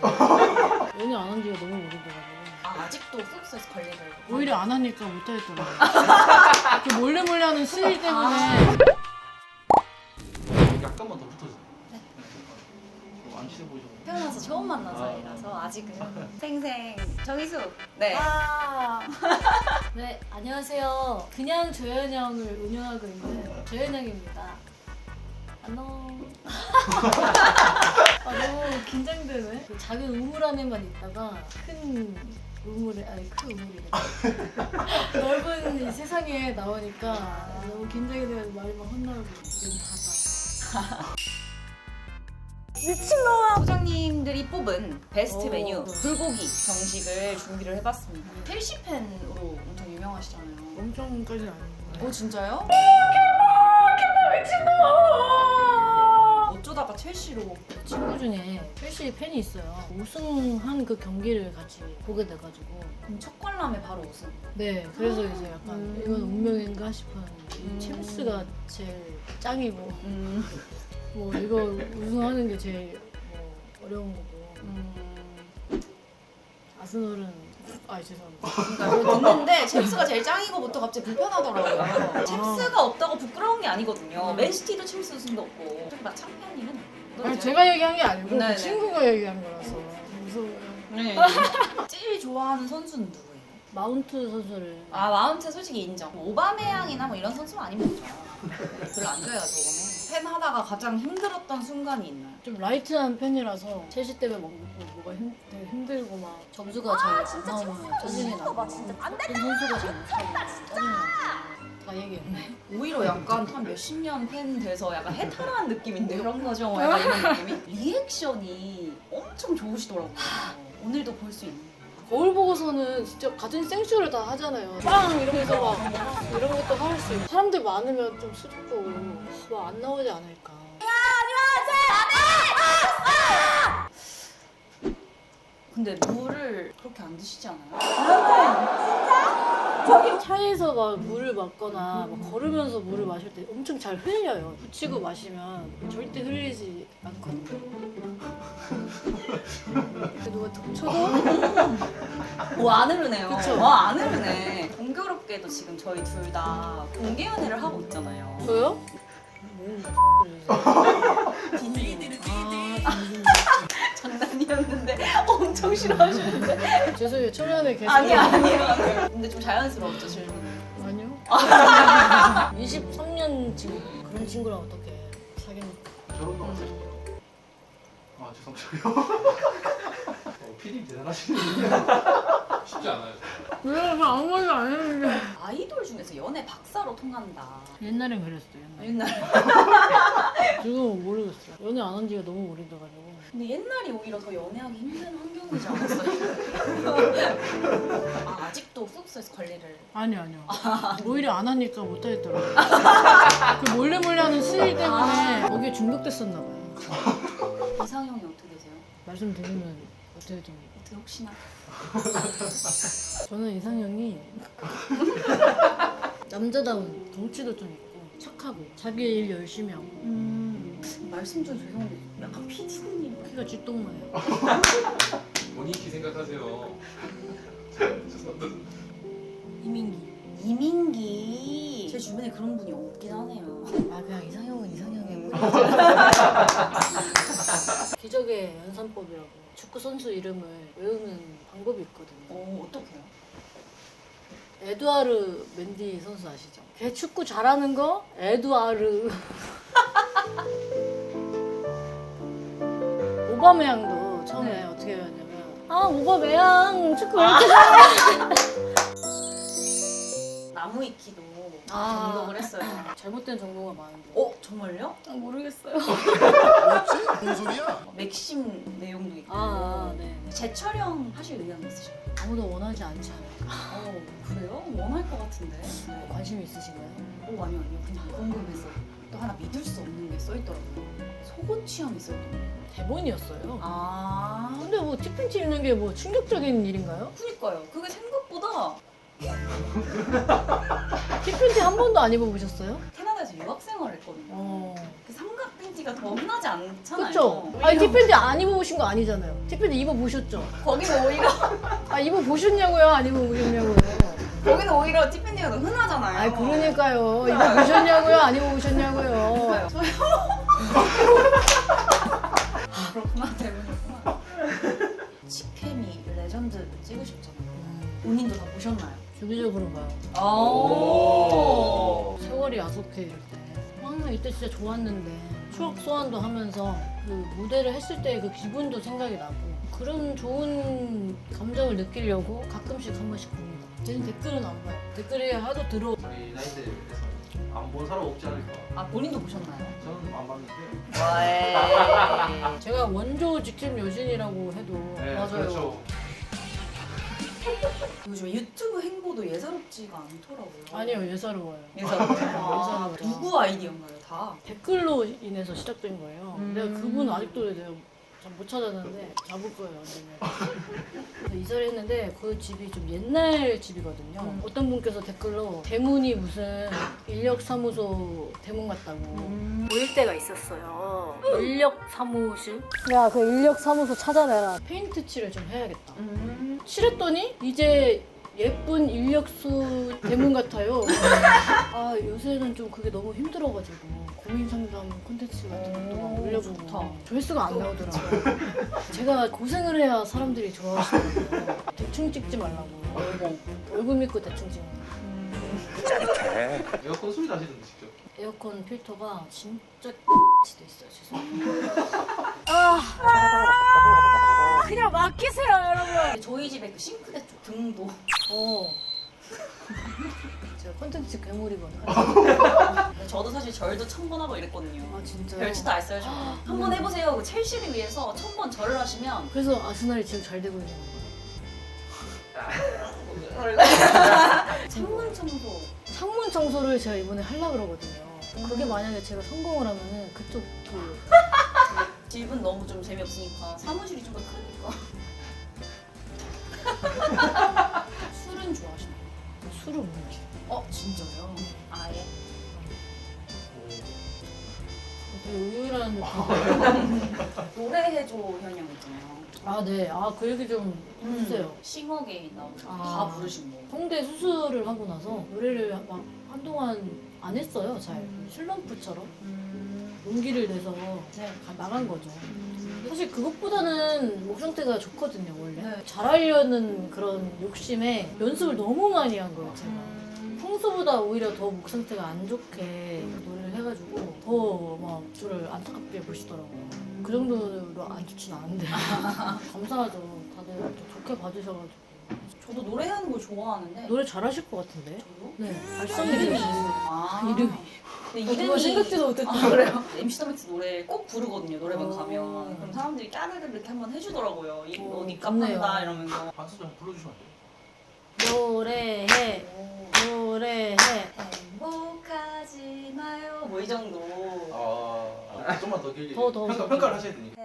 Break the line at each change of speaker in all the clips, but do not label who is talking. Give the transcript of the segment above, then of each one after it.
연애 안 한 지가 너무 오래돼가지고
아직도 훅스에서 관리를.
오히려 안 하니까 못하겠더라고요. 그 몰래 하는 스릴 때문에.
약간만 더 붙어주세요.
네.
안 친해 보이죠?
태어나서 처음 만난 사이라서 아직은 생생 정희수. 네.
네, 안녕하세요. 그냥 조연형을 운영하고 있는 조연형입니다. 안녕. 너무 긴장되네. 그 작은 우물 안에만 있다가 큰 우물에, 아니 큰 우물이래. 넓은 이 세상에 나오니까 너무 긴장이 돼가지고 말이 막 헛나오고 지금 닫아.
소장님들이 뽑은 베스트
오.
메뉴 불고기 정식을 준비를 해봤습니다. 첼시 팬으로 엄청 유명하시잖아요.
엄청까지는 아니고.
진짜요? 어쩌다가 첼시로.
친구 중에 첼시 팬이 있어요. 우승한 그 경기를 같이 보게 돼가지고.
그럼 첫 관람에 바로 우승.
네, 그래서 이제 약간 이건 운명인가 싶은 이 챔스가 제일 짱이고 뭐 이거 우승하는 게 제일 뭐 어려운 거고 아스널은 죄송합니다.
그러니까 듣는데 챔스가 제일 짱이고부터 갑자기 불편하더라고요. 챔스가 없다고 부끄러운 게 아니거든요. 맨시티도 챔스 우승도 없고 그렇게 막 창피한 일은 아니에요.
아니, 제가 얘기한 게 아니고
네네.
그 친구가 얘기한 거라서 무서워요.
네. 제일 좋아하는 선수는 누구예요?
마운트 선수를
마운트 솔직히 인정. 오바메양이나 뭐 이런 선수는 아니면 되죠. 별로 안 좋아해가지고 오바메양. 팬 하다가 가장 힘들었던 순간이 있나요?
좀 라이트한 편이라서 첼시 때문에 뭐가 되게 힘들고 막 점수가 잘 안 나오면 짜증이 나고 어떤 선수가 잘 못하고 짜증이 나고 다 얘기했네.
오히려 약간 한 몇십 년 팬 돼서 약간 해탈한 느낌인데 그런 거죠. 약간 이런 느낌이. 리액션이 엄청 좋으시더라고요. 오늘도 볼 수 있는.
거울 보고서는 진짜 같은 생쇼를 다 하잖아요. 빵 이러면서 막 이런 것도 할 수 있고 사람들 많으면 좀 슬프고 뭐 안 나오지 않을까.
근데 물을 그렇게 안 드시지 않아요?
차에서 막 물을 마거나 막 걸으면서 물을 마실 때 엄청 잘 흘려요. 붙이고 마시면 절대 흘리지 않거든요. 누가 툭 쳐도
안 흐르네요.
그쵸?
안 흐르네. 공교롭게도 지금 저희 둘 다 공개 연애를 하고 있잖아요.
저요?
딘딘.
딘딘.
장난이었는데 엄청 싫어하시는데.
죄송해요. 초면에 계속
아니에요. 근데 좀 자연스러웠죠 질문.
아니요. 23년 지금 그런 친구랑 어떻게 사귀니까?
결혼도 안 하시고. 죄송해요. 피디님 대단하시네요. 쉽지 않아요.
왜 아무 말도 안 했는데.
아이돌 중에서 연애 박사로 통한다.
옛날엔 그랬어요.
옛날.
지금은 모르겠어요. 연애 안 한 지가 너무 오래돼가지고.
근데 옛날이 오히려 더 연애하기 힘든 환경이지 않았어요? 아직도 훅스에서 관리를.
아니요. 오히려 안 하니까 못하겠더라고요. 그 몰래 하는 스릴 때문에 거기에 중독됐었나 봐요.
이상형이 어떻게 되세요?
말씀드리면 어떻게 좀.
어떻게 혹시나?
저는 이상형이 남자다운 덩치도 좀 있고 착하고 자기 일 열심히 하고
말씀 좀 죄송한데 약간 피디님.
키가 쥐똥마예요.
본인 키 생각하세요. 죄송합니다.
이민기. 제 주변에 그런 분이 없긴 하네요.
그냥 이상형은 이상형이고 기적의 연산법이라고 축구 선수 이름을 외우는 방법이 있거든요.
어떡해요?
에두아르 맨디 선수 아시죠? 걔 축구 잘하는 거 에두아르. 오바메양도 처음에 어떻게 해왔냐면 오바메양 축구 왜 이렇게 잘해?
나무위키도
아.
등록을 했어요.
잘못된 정보가 많은데.
정말요?
모르겠어요.
뭐지? 뭔 소리야?
맥심 내용도 있고.
네.
재촬영 하실 의향이 있으신가요?
아무도 원하지 않지 않을까.
그래요? 원할 것 같은데.
관심 있으신가요?
아니요. 그냥 궁금해서. 또 하나 믿을 수 없는 게 써있더라고요. 속옷 취향이 써있더라고요.
대본이었어요. 근데 뭐 티팬티 입는 게 뭐 충격적인 일인가요?
그니까요. 그게 생각보다
티팬티 한 번도 안 입어보셨어요?
캐나다에서 티팬티에서 유학생활을 했거든요. 그 삼각 팬티가 더 흔하지 않잖아요.
그쵸? 아니 티팬티 안 입어보신 거 아니잖아요. 티팬티 입어보셨죠?
거기는 오히려
아 입어보셨냐고요? 안 입어보셨냐고요?
거기는 오히로 티팬티가 더 흔하잖아요.
아이 그러니까요. 입어보셨냐고요? 안 입어보셨냐고요?
그렇구나 대부분이구나. 치케미 레전드 찍으셨잖아요. 본인도 다 보셨나요?
주기적으로 봐요.
오.
세월이 야속해 이럴 때. 이때 진짜 좋았는데 추억 소환도 하면서 그 무대를 했을 때 그 기분도 생각이 나고 그런 좋은 감정을 느끼려고 가끔씩 한 번씩 봅니다. 저는 댓글은 안 봐요. 댓글이 하도 들어.
우리 나이대에서 안 본 사람 없지 않을까.
아 본인도 보셨나요?
저는 안 봤는데.
와.
제가 원조 직접 여신이라고 해도
네,
맞아요.
그렇죠.
요즘 유튜브 행보도 예사롭지가 않더라고요.
아니요 예사로워요.
예사롭죠.
예사롭죠.
누구 아이디어인가요 다?
댓글로 인해서 시작된 거예요. 내가 그분
음.
아직도 내가 잘 못 찾았는데 잡을 거예요 언젠가. 그래서 이사를 했는데 그 집이 좀 옛날 집이거든요. 어떤 분께서 댓글로 대문이 무슨 인력사무소 대문 같다고 보일 때가 있었어요. 인력사무실? 야 그 인력사무소 찾아내라. 페인트 칠을 좀 해야겠다. 칠했더니 이제 예쁜 인력수 대문 같아요. 아 요새는 좀 그게 너무 힘들어가지고 고민 상담 콘텐츠 같은 것도 막 올려보고
좋다.
조회수가 안 나오더라고요. 제가 고생을 해야 사람들이 좋아하시더라고요. 대충 찍지 말라고. 얼굴 믿고 대충 찍는 거.
에어컨 소리 나시던데 직접.
에어컨 필터가 진짜 도 있어요. 죄송해요. 그냥 맡기세요 여러분.
저희 집에 그 싱크대 쪽 등도
제가 콘텐츠 괴물이거든요.
저도 사실 절도 1000번 하고 이랬거든요.
아 진짜요?
별짓도 안 써요. 한번 해보세요. 그 첼시를 위해서 1000번 절을 하시면
그래서 아스날이 지금 잘 되고 있는 거예요.
창문 청소.
창문 청소를 제가 이번에 하려고 그러거든요. 그게 만약에 제가 성공을 하면은 그쪽 그
집은 너무 좀 재미없으니까 사무실이 좀 더 크니까. 술은 좋아하시나요?
술을 못 마셔요.
진짜요? 아예?
되게 의외라는 느낌.
노래해줘 현영 있잖아요.
아 네. 아 그 얘기 좀 해주세요.
싱어게인 나오고
아.
다 부르신 거.
성대 수술을 하고 나서 노래를 막 한동안 안 했어요. 잘 슬럼프처럼 용기를 내서
네.
나간 거죠. 사실 그것보다는 목 상태가 좋거든요 원래.
네.
잘하려는 그런 욕심에 연습을 너무 많이 한 거예요 제가. 평소보다 오히려 더 목 상태가 안 좋게 노래를 해가지고 더 막 저를 안타깝게 보시더라고요. 그 정도로 안 좋진 않은데 감사하죠. 다들 좀 좋게 봐주셔가지고.
저도 노래하는 걸 좋아하는데.
노래 잘하실 것 같은데?
저도?
네.
이름이
발성이
아,
이름이.
근데
그거
이름이
생각지도 못했다.
아, 그래요? MC 더맥스 노래 꼭 부르거든요. 노래방
어.
가면. 그럼 사람들이 까르르 이렇게 한번 해주더라고요. 어디
좋네요.
깝한다 이러면서.
한 소절 한번 불러주시면 안 돼요?
노래해 노래해.
행복하지 마요. 뭐 이 정도.
좀만 더 길게.
더
평가를 하셔야 되니까.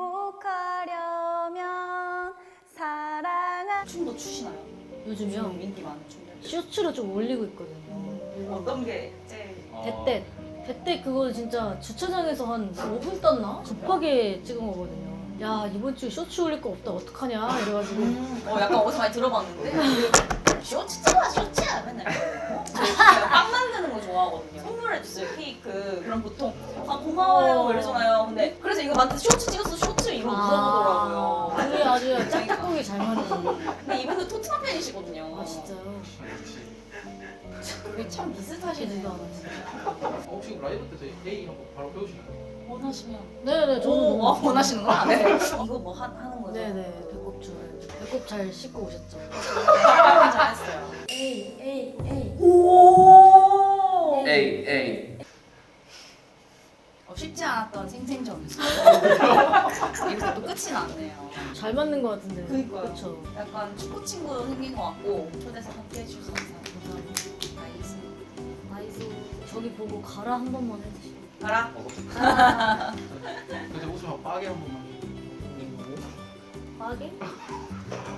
행복하려면 사랑한 춤도 추시나요?
요즘요
요즘 인기 많은 춤들.
쇼츠로 좀 올리고 있거든요.
어떤 게 제일
대떼 대떼 그거 진짜 주차장에서 한 5분 떴나? 급하게 찍은 거거든요. 야 이번 주에 쇼츠 올릴 거 없다 어떡하냐 이래가지고
약간 어디서 많이 들어봤는데 쇼츠 찍어 쇼츠 맨날 제가 빵 만드는 거 좋아하거든요. 선물해주세요 케이크. 그럼 보통 고마워요 이러잖아요. 근데 그래서 이거 만든 쇼츠 찍었어 쇼츠 이러고 물어보더라고요.
우리 아주 짝짝꿍이 잘 맞는.
근데 이분도 토트넘 팬이시거든요.
아 진짜요?
우리 참 비슷하시네요.
혹시 라이브 때 저희 A 한번 바로 배우시나요?
원하시면
네네 저는
오,
너무
원하시는구나. 네. 이거 뭐 하는 거죠?
네네 배꼽 좋아요. 배꼽 잘 씻고 오셨죠?
잘했어요.
에이 에이 에이.
오.
A.
쉽지 않았던 생생전이었어요. 이렇게 또 끝이 났네요.
잘 맞는 것 같은데.
그니까요.
그렇죠.
약간 축구 친구 생긴 것 같고 초대해서 함께 해주셔서 감사합니다.
나이스. 저기 보고 가라 한 번만 해주시죠.
가라.
근데 웃으면 빠게 한 번만.
빠게?